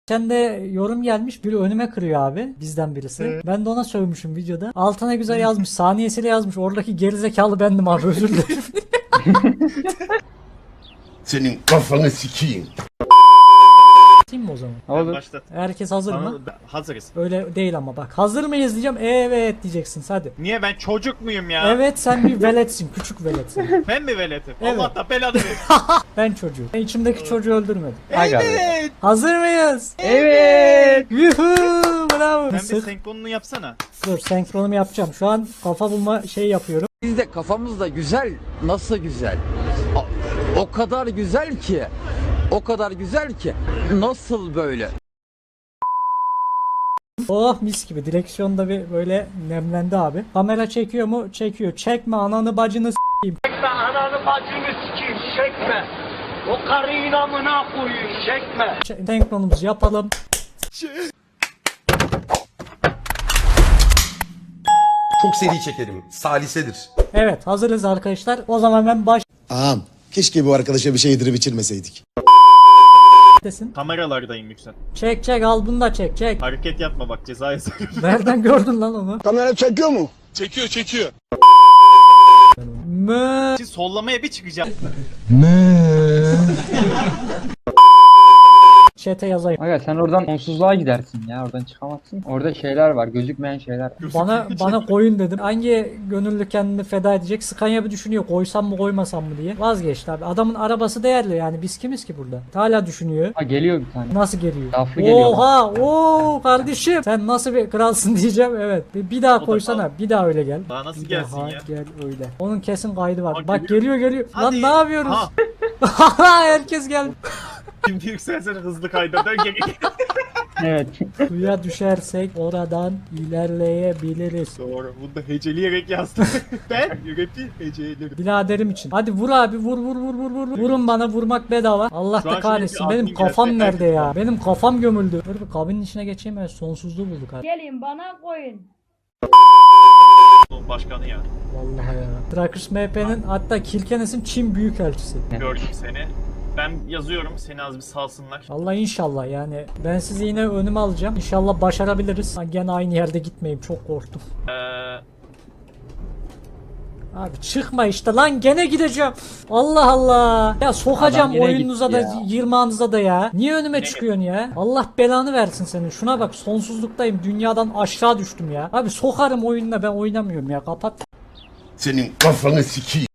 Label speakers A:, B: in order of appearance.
A: Sen de yorum gelmiş, biri önüme kırıyor abi, bizden birisi. Ben de ona sövmüşüm videoda. Altına güzel yazmış, saniyesiyle yazmış. Oradaki gerizekalı bendim abi, özür dilerim.
B: Senin kafanı sikeyim.
A: Atayım mı o zaman?
C: Olur.
D: Başlat.
A: Herkes hazır mı?
D: Hazırız.
A: Öyle değil ama bak. Hazır mıyız diyeceğim. Evet diyeceksin hadi.
D: Niye ben çocuk muyum ya?
A: Evet, sen bir veletsin. Küçük veletsin.
D: Ben mi veletim?
A: Evet.
D: Allah da belanı versin.
A: Ben çocuğu. Ben içimdeki çocuğu öldürmedim.
C: Aga be.
D: Evet.
A: Hazır mıyız?
C: Evet.
A: Yuhuu, bravo.
D: Ben bir
A: Sık.
D: senkronunu yapsana.
A: Dur, senkronumu yapacağım. Şu an kafa bulma şey yapıyorum.
E: Biz de kafamız da güzel. Nasıl güzel? O kadar güzel ki. O kadar güzel ki. Nasıl böyle?
A: Oh, mis gibi. Direksiyonda bir böyle nemlendi abi. Kamera çekiyor mu? Çekiyor. Çekme ananı bacını s**eyim.
F: Çekme ananı bacını sikeyim çekme. O karıyı namına koyayım çekme.
A: Senkronumuzu yapalım.
B: Çok seri çekerim. Salisedir.
A: Evet, hazırız arkadaşlar. O zaman ben baş
G: Ağam keşke bu arkadaşa bir şey yedirip içirmeseydik.
A: desin.
D: Kameralardayım Yüksel.
A: Çek al bunu da çek.
D: Hareket yapma bak ceza yazarım.
A: Nereden gördün lan onu?
G: Kamera çekiyor mu?
A: Mö.
D: Şimdi sollamaya bir çıkacağım.
A: Chat'e yazayım.
C: Aga sen oradan sonsuzluğa gidersin ya. Oradan çıkamazsın. Orada şeyler var. Gözükmeyen şeyler.
A: Bana koyun dedim. Hangi gönüllü kendini feda edecek? Scania bir düşünüyor. Koysam mı koymasam mı diye. Vazgeçti abi. Adamın arabası değerli yani. Biz kimiz ki burada? Hala düşünüyor.
C: Ha geliyor bir tane.
A: Nasıl geliyor?
C: Laflı geliyor.
A: Oha! Oo kardeşim. Sen nasıl bir kralsın diyeceğim. Evet. Bir daha
D: da
A: koysana.
D: kal.
A: Bir daha öyle gel.
D: Daha nasıl
A: Bir
D: gelsin
A: daha
D: ya?
A: gel öyle. Onun kesin kaydı var.
D: Aa,
A: Bak geliyor.
D: Hadi.
A: Lan ne yapıyoruz?
D: Ha.
A: Herkes geldi.
D: Şimdi Yüksel hızlı kayda dön geri.
C: Evet.
A: Suya düşersek oradan ilerleyebiliriz.
D: Doğru. Bunu da heceleyerek yazdım. Ben rapi hecelerim.
A: Biraderim için. Hadi vur abi vur. Vurun bana, vurmak bedava. Allah
D: Şu an
A: da kahretsin.
D: şimdi bir
A: Benim
D: admin
A: kafam
D: gelse
A: nerede
D: herkes
A: ya? Benim kafam gömüldü. Dur bir kabinin içine geçeyim, evet, sonsuzluğu bulduk abi.
H: Gelin bana koyun.
D: Başkanı ya.
A: Vallahi ya. Trackers MP'nin hatta Kilkenes'in Çin Büyükelçisi.
D: Gördüm seni. Ben yazıyorum seni az bir salsınlar.
A: Allah inşallah yani. Ben sizi yine önüme alacağım. İnşallah başarabiliriz. Ha, gene aynı yerde gitmeyeyim. Çok korktum. Abi çıkma işte lan, gene gideceğim. Allah Allah. Ya sokacağım
C: Adam yine
A: oyununuza
C: gitti
A: da
C: ya.
A: yırmağınıza da ya. Niye önüme çıkıyorsun ya? Allah belanı versin senin. Şuna bak, sonsuzluktayım. Dünyadan aşağı düştüm ya. Abi sokarım oyununa, ben oynamıyorum ya. Kapat.
B: Senin kafanı sikeyim.